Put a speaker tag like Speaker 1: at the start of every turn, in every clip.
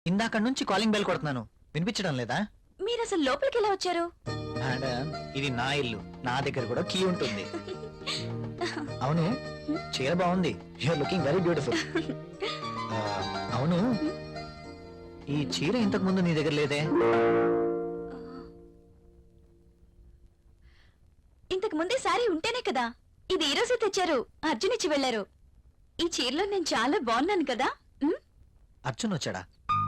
Speaker 1: ఇందాక నుంచి calling bell కొడుతున్నాను, వినిపించడం లేదా?
Speaker 2: మీరు అసలు లోపలికి ఎలా వచ్చారు?
Speaker 1: మేడం, ఇది నా ఇల్లు, నా దగ్గర కూడా కీ ఉంటుంది. అవును, చీర బాగుంది. You're looking very beautiful. అవును, ఈ చీర ఇంతకు ముందు నీ దగ్గర లేదే?
Speaker 2: ఇంతకు ముందే సారీ ఉంటేనే కదా. ఇది ఈ రోజే తెచ్చారు, అర్జున్ ఇచ్చి వెళ్లారు. ఈ చీరలో నేను చాలా బాగున్నాను కదా.
Speaker 1: అర్జున్ వచ్చాడా?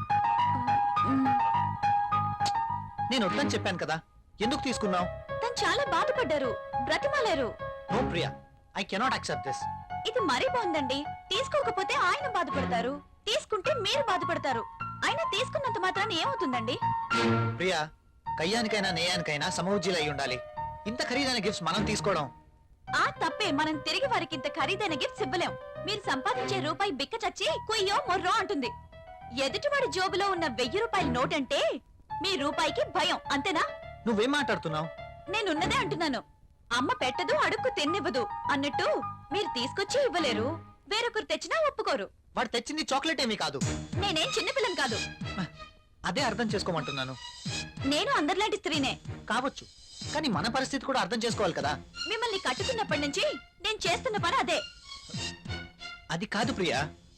Speaker 1: నేను వద్దని చెప్పాను కదా, ఎందుకు తీసుకున్నావు?
Speaker 2: తను చాలా బాధపడ్డారు, బ్రతిమాలారు.
Speaker 1: No Priya, I cannot accept this.
Speaker 2: ఇది మరీ బాగుందండి. తీసుకోకపోతే ఆయన బాధపడతారు, తీసుకుంటే మీరు బాధపడతారు. అయినా తీసుకున్నంత మాత్రాన ఏమవుతుందండి?
Speaker 1: ప్రియా, కయ్యానికైనా నేయానికైనా సమౌజ్జీలు అయి ఉండాలి. ఇంత ఖరీదైన గిఫ్ట్స్ మనం తీసుకోవడం
Speaker 2: ఆ తప్పే. మనం తిరిగి వారికి ఇంత ఖరీదైన గిఫ్ట్స్ ఇవ్వలేం. మీరు సంపాదించే రూపాయి బిక్క చచ్చి కుయ్యో మొర్రో అంటుంది. ఎదుటివాడి జోబులో ఉన్న 1000 రూపాయల నోట్ అంటే మీ రూపాయికి భయం, అంతేనా?
Speaker 1: నువ్వేం మాట్లాడుతున్నావు?
Speaker 2: నేనున్నదే అంటున్నాను. అమ్మ పెట్టదు, అడుక్కు తిన్నివ్వదు అన్నట్టు మీరు తీసుకొచ్చి ఇవ్వలేరు, వేరొకరు తెచ్చినా ఒప్పుకోరు.
Speaker 1: వాడు తెచ్చింది చాక్లెట్ ఏమీ కాదు.
Speaker 2: నేనేం చిన్నపిల్లని కాదు.
Speaker 1: అదే అర్థం చేసుకోమంటున్నాను.
Speaker 2: నేను అందరిలాంటి స్త్రీనే
Speaker 1: కావచ్చు, కానీ మన పరిస్థితి కూడా అర్థం చేసుకోవాలి కదా.
Speaker 2: మిమ్మల్ని కట్టుకున్నప్పటి నుంచి నేను చేస్తున్న పని అదే.
Speaker 1: అది కాదు ప్రియా.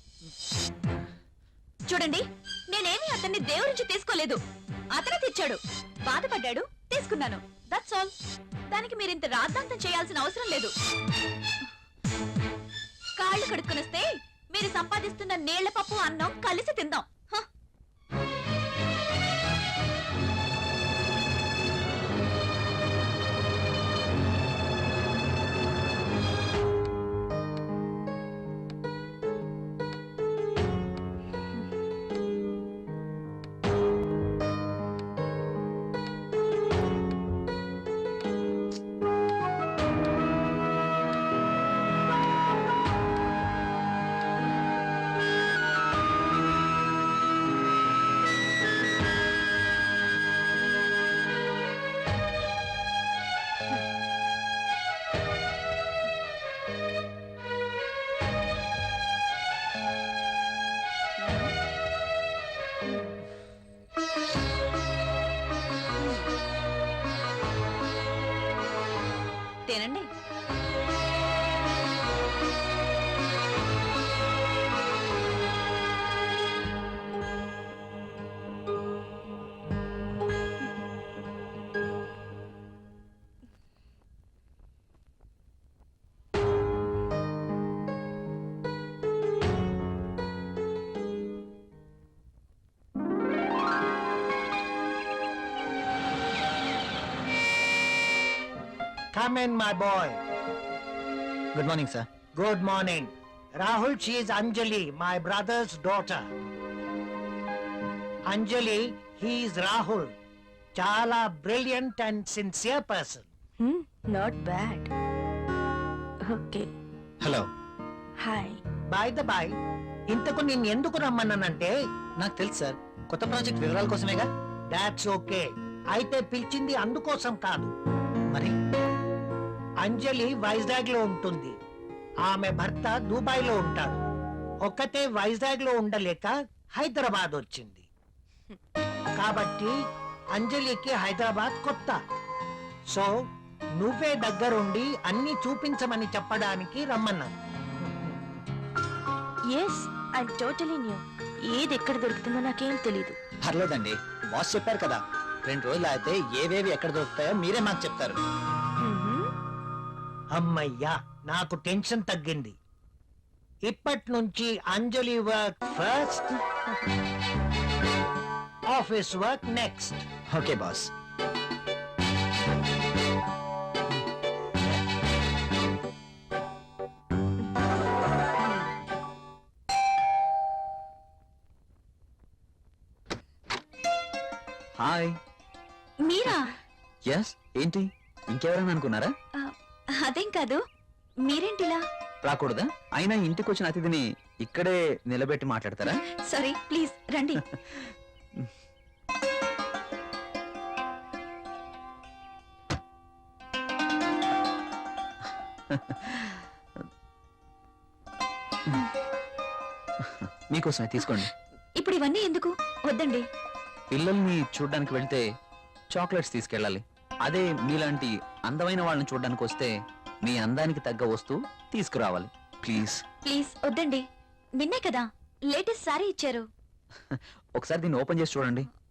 Speaker 2: చూడండి, నేనేమి అతన్ని దేవురించి తీసుకోలేదు. అతనే తెచ్చాడు, బాధపడ్డాడు, తీసుకున్నాను. That's all. దానికి మీరింత రాద్ధాంతం చేయాల్సిన అవసరం లేదు. కాళ్ళు కడుక్కునొస్తే మీరు సంపాదిస్తున్న నీళ్ల పప్పు అన్నం కలిసి తిందాం. తినండి.
Speaker 3: Come in, my boy.
Speaker 1: Good morning sir.
Speaker 3: Good morning. Rahul, she is Anjali, my brother's daughter. Anjali, he is Rahul. Chala brilliant and sincere person.
Speaker 2: Not bad. Okay.
Speaker 1: Hello.
Speaker 2: Hi.
Speaker 3: By the by, ఇంతకు నేను ఎందుకు రమ్మన్నానంటే,
Speaker 1: నాకు తెలుసు sir, కొత్త project వివరాల కోసమేగా.
Speaker 3: That's okay. అయితే పిలిచింది అందుకోసం కాదు.
Speaker 1: మరి
Speaker 3: అంజలి వైజాగ్ లో ఉంటుంది, ఆమె భర్త దుబాయ్ లో ఉంటాడు. ఒక్కతే వైజాగ్ లో ఉండలేక హైదరాబాద్ వచ్చింది. కాబట్టి అంజలికి హైదరాబాద్ కొత్త. సో నువ్వే దగ్గరుండి అన్ని చూపించమని చెప్పడానికి రమ్మన్నాను.
Speaker 2: Yes, I totally new. ఏది ఎక్కడ దొరుకుతుందో నాకేం తెలీదు.
Speaker 1: పర్లేదండి, బాస్ చెప్పారు కదా, 2 రోజులు అయితే ఏవేవి ఎక్కడ దొరుకుతాయో మీరే మాకు చెప్తారు.
Speaker 3: అమ్మయ్యా, నాకు టెన్షన్ తగ్గింది. ఇప్పటి నుంచి Anjali work first, office work next.
Speaker 1: Okay boss. Hi.
Speaker 2: మీరా?
Speaker 1: ఎస్. ఏంటి, ఇంకెవరైనా అనుకున్నారా?
Speaker 2: అదేం కాదు. మీరేంటిలా?
Speaker 1: రాకూడదా? అయినా ఇంటికి వచ్చిన అతిథిని ఇక్కడే నిలబెట్టి మాట్లాడతారా?
Speaker 2: సారీ, ప్లీజ్ రండి.
Speaker 1: మీకోసమే తీసుకోండి.
Speaker 2: ఇప్పుడు ఇవన్నీ ఎందుకు? వద్దండి.
Speaker 4: పిల్లల్ని చూడడానికి వెళ్తే చాక్లెట్స్ తీసుకెళ్ళాలి. అదే మీలాంటి అందమైన వాళ్ళని చూడడానికి వస్తే మీ అందానికి తగ్గ వస్తువు తీసుకురావాలి. ప్లీజ్
Speaker 2: ప్లీజ్ వద్దండి. నిన్నే కదా లేటెస్ట్ సారీ ఇచ్చారు.
Speaker 4: ఒకసారి దీన్ని ఓపెన్ చేసి చూడండి.